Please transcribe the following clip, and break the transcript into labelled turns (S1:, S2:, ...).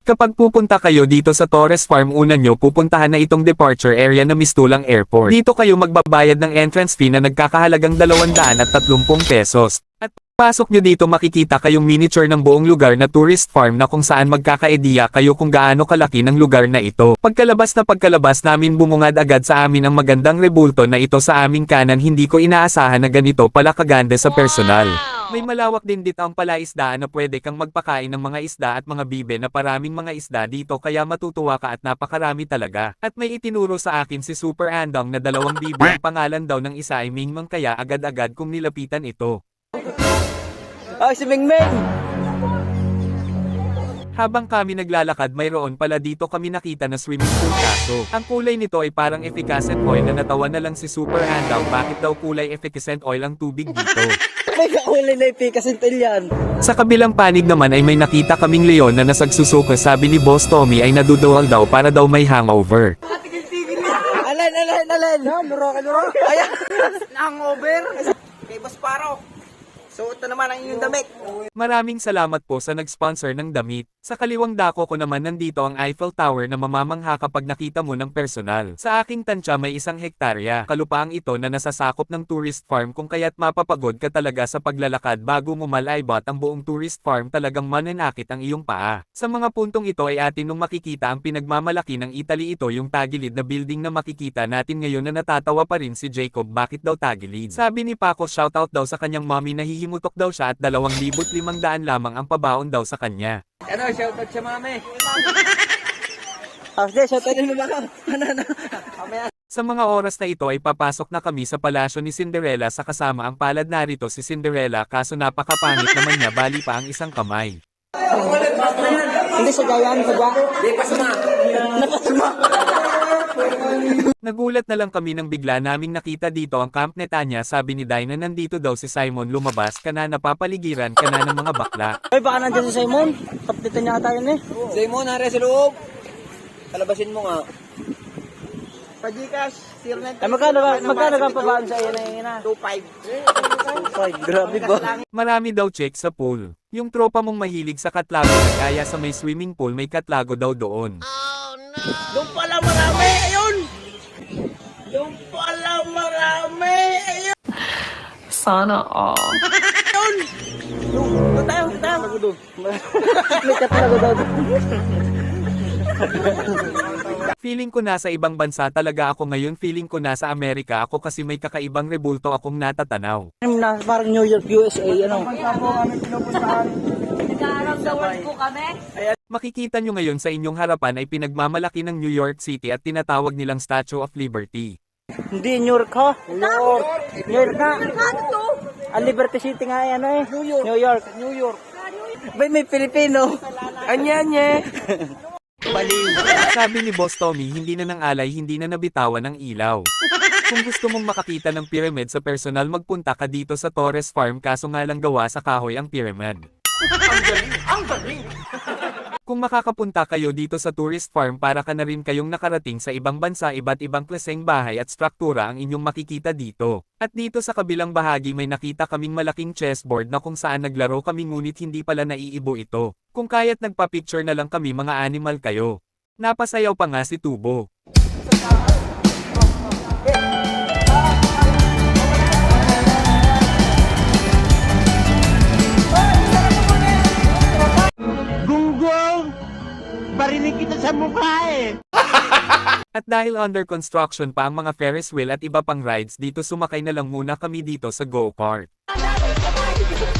S1: Kapag pupunta kayo dito sa Torres Farm, una nyo pupuntahan na itong departure area na Mistulang Airport. Dito kayo magbabayad ng entrance fee na nagkakahalagang 230 pesos. At pasok nyo dito makikita kayong miniature ng buong lugar na tourist farm na kung saan magkakaediya kayo kung gaano kalaki ng lugar na ito. Pagkalabas namin bumungad agad sa amin ang magandang rebulto na ito sa aming kanan, hindi ko inaasahan na ganito pala kaganda sa personal. May malawak din dito ang palaisdaan na pwede kang magpakain ng mga isda at mga bibe na paraming mga isda dito kaya matutuwa ka at napakarami talaga. At may itinuro sa akin si Super Andong na 2 bibe ang pangalan daw ng isa ay Mingmang kaya agad-agad kong nilapitan ito.
S2: Ay, si Mingming!
S1: Habang kami naglalakad mayroon pala dito kami nakita na swimming pool kaso ang kulay nito ay parang efficacent oil na natawa na lang si Super Andong bakit daw kulay efficacent oil ang tubig dito.
S2: May kakulay na ipikasintil yan.
S1: Sa kabilang panig naman ay may nakita kaming leon na nasagsusuka, sabi ni Boss Tommy ay naduduwal daw para daw may hangover.
S2: Alin! Luro. Ayan! Hangover! Kay Boss Paro. Suot na naman ang inyong damit.
S1: Maraming salamat po sa nag-sponsor ng damit. Sa kaliwang dako ko naman nandito ang Eiffel Tower na mamamangha kapag nakita mo ng personal. Sa aking tansya may 1 hektarya. Kalupaang ito na nasasakop ng tourist farm kung kaya't mapapagod ka talaga sa paglalakad bago mo malaybot ang buong tourist farm, talagang mananakit ang iyong paa. Sa mga puntong ito ay atin nung makikita ang pinagmamalaki ng Italy, ito yung tagilid na building na makikita natin ngayon na natatawa pa rin si Jacob bakit daw tagilid. Sabi ni Paco shoutout daw sa kanyang mommy na hihimutok daw siya at 2,500 lamang ang pabaon daw sa kanya.
S2: Ano, shoutout siya, mami. Shoutout din mo ba ka? Ano?
S1: Sa mga oras na ito ay papasok na kami sa palasyo ni Cinderella sa kasama ang palad, narito si Cinderella kaso napakapangit naman niya, bali pa ang isang kamay.
S2: Hindi sa gayan, sa gayan. Hindi, pasama.
S1: Nagulat na lang kami nang bigla naming nakita dito ang Camp Netanya, sabi ni Dinah nandito daw si Simon, lumabas ka na, napapaligiran ka na ng mga bakla.
S2: Ay, baka nandiyan si Simon. Tapdito niya tayo eh. Simon, nare sa loob. Kalabasin mo nga. Pa-Gcash, 09. Ay, magkano ka pabaan sa iyo na yun na? 2.5. 2.5, grabe ba?
S1: Marami daw check sa pool. Yung tropa mong mahilig sa katlago na kaya sa may swimming pool may katlago daw doon.
S2: Doon pala marami, ayun! Doon pala marami, ayun!
S3: Sana all.
S2: Ayun! Doon tayo. May katlago daw.
S1: Feeling ko nasa ibang bansa talaga ako ngayon, feeling ko nasa Amerika ako kasi may kakaibang rebulto akong natatanaw.
S2: Parang New York, USA, ano?
S1: Makikita nyo ngayon sa inyong harapan ay pinagmamalaki ng New York City at tinatawag nilang Statue of Liberty.
S2: Hindi, New York ha? New York na. Ang Liberty City nga yan eh. New York. May Pilipino. Anya. Baliw.
S1: Sabi ni Boss Tommy hindi na ng alay, hindi na nabitawan ng ilaw. Kung gusto mong makakita ng pyramid sa personal, magpunta ka dito sa Torres Farm, kaso nga lang gawa sa kahoy ang pyramid. Ang galing! Kung makakapunta kayo dito sa tourist farm, para ka na rin kayong nakarating sa ibang bansa, iba't ibang klaseng bahay at struktura ang inyong makikita dito. At dito sa kabilang bahagi may nakita kaming malaking chessboard na kung saan naglaro kami ngunit hindi pala naiibo ito. Kung kaya't nagpa-picture na lang kami, mga animal kayo. Napasayaw pa nga si Tubo.
S2: Gunggong! Barinig kita sa mukha eh!
S1: At dahil under construction pa ang mga Ferris wheel at iba pang rides dito, sumakay na lang muna kami dito sa go-kart.